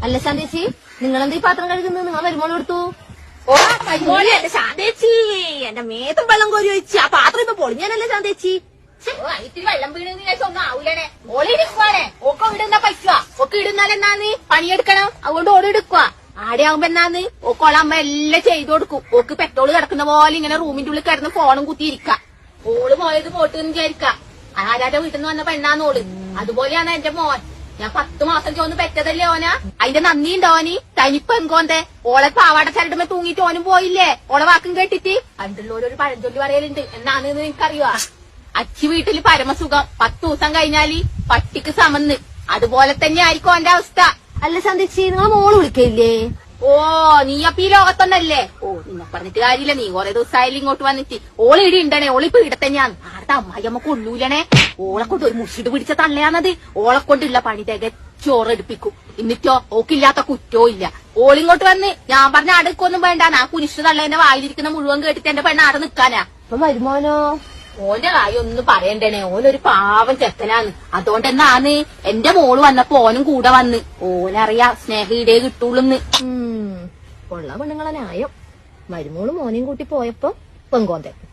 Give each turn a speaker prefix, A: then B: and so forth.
A: അല്ല ശാന്തേച്ചി, നിങ്ങളെന്താ ഈ പാത്രം കഴുകുന്നത്? നിങ്ങൾ വരുമ്പോൾ എടുത്തു.
B: ഓ കൈമോളെ എന്റെ ശാന്തേച്ചി, എന്റെ മേത്തും വെള്ളം കോരി വെച്ച് ആ പാത്രം ഇപ്പൊ പൊളിഞ്ഞാനല്ലേ ശാന്തേച്ചി.
A: ഇത്തിരി വെള്ളം വീണെന്ന് വിചാരിച്ച ഒന്നും ആവൂലേ. ഓളി എടുക്കുവാണേ. ഓക്കെ ഇടുന്ന പറ്റുക. ഒക്കെ ഇടുന്നാൽ എന്നാന്ന് പണിയെടുക്കണം. അതുകൊണ്ട് ഓടി എടുക്കുക. ആടെയാകുമ്പോ എന്നാന്ന് ഓക്കോളാകുമ്പോ എല്ലാം ചെയ്തു കൊടുക്കും. ഓക്ക് പെട്രോള് കിടക്കുന്ന പോലെ ഇങ്ങനെ റൂമിന്റെ ഉള്ളിൽ കിടന്ന് ഫോണും കുത്തിയിരിക്ക. ഓള് പോയത് പോട്ടെന്ന് വിചാരിക്ക. ആരാന്റെ വീട്ടിൽ നിന്ന് വന്ന പെണ്ണാന്നോള്. അതുപോലെയാണ് എന്റെ മോൻ. ഞാൻ 10 മാസം ചോന്ന് പെറ്റതല്ലേ ഓന. അതിന്റെ നന്ദിയുണ്ടോ ഓനി? തനിപ്പ് എങ്കോന്തേ ഓളെ പാവാട ചരടുമ്പോ തൂങ്ങിട്ട് ഓനും പോയില്ലേ ഓളെ വാക്കും കേട്ടിട്ട്. അതിലുള്ളൊരു പഴഞ്ചൊല്ലി പറയലുണ്ട്. എന്നാന്ന് നിനക്കറിയുവാ? അച്ചി വീട്ടില് പരമസുഖം, 10 ദിവസം കഴിഞ്ഞാല് പട്ടിക്ക് സമന്ന്. അതുപോലെ തന്നെ ആയിരിക്കും ഓന്റെ അവസ്ഥ. അല്ല ശാന്തേച്ചി, നിങ്ങൾ മോള് വിളിക്കയില്ലേ?
B: ഓ നീ അപ്പൊ ഈ ലോകത്തൊന്നല്ലേ? ഓ നിന്നെ പറഞ്ഞിട്ട് കാര്യമില്ല. നീ കുറെ ദിവസമായാലും ഇങ്ങോട്ട് വന്നിട്ട്. ഓള് ഇടി ഉണ്ടണേ. ഓളിപ്പോ ഇവിടെ തന്നെയാണ്. ആരുടെ അമ്മായിയമ്മ കൊള്ളൂലണേ. ഓളെ കൊണ്ട് ഒരു മുഷിട് പിടിച്ച തള്ളയാണത്. ഓളെ കൊണ്ടുള്ള പണി തികച്ചോറെടുപ്പിക്കും. എന്നിട്ടോ ഓക്കില്ലാത്ത കുറ്റോ ഇല്ല. ഓളിങ്ങോട്ട് വന്ന് ഞാൻ പറഞ്ഞ അടുക്കൊന്നും വേണ്ട. ആ കുരിശ് തള്ളേന്റെ വായിലിരിക്കുന്ന മുഴുവൻ കേട്ടിട്ട് എന്റെ പെണ്ണ ആടെ നിക്കാനാ.
A: അപ്പൊ വരുമാനോ?
B: ഓന്റെ കാര്യം ഒന്നും പറയണ്ടേനെ. ഓനൊരു പാവം ചെക്കനാണ്. അതുകൊണ്ട് എന്നാന്ന് എന്റെ മോള് വന്നപ്പോ ഓനും കൂടെ വന്ന്. ഓനറിയാ സ്നേഹയുടെ കിട്ടുള്ളൂന്ന്.
A: കൊള്ള പെണ്ണുങ്ങളെ ന്യായം. മരുമോള് മോനെയും കൂട്ടി പോയപ്പോ പെങ്കോന്തൻ.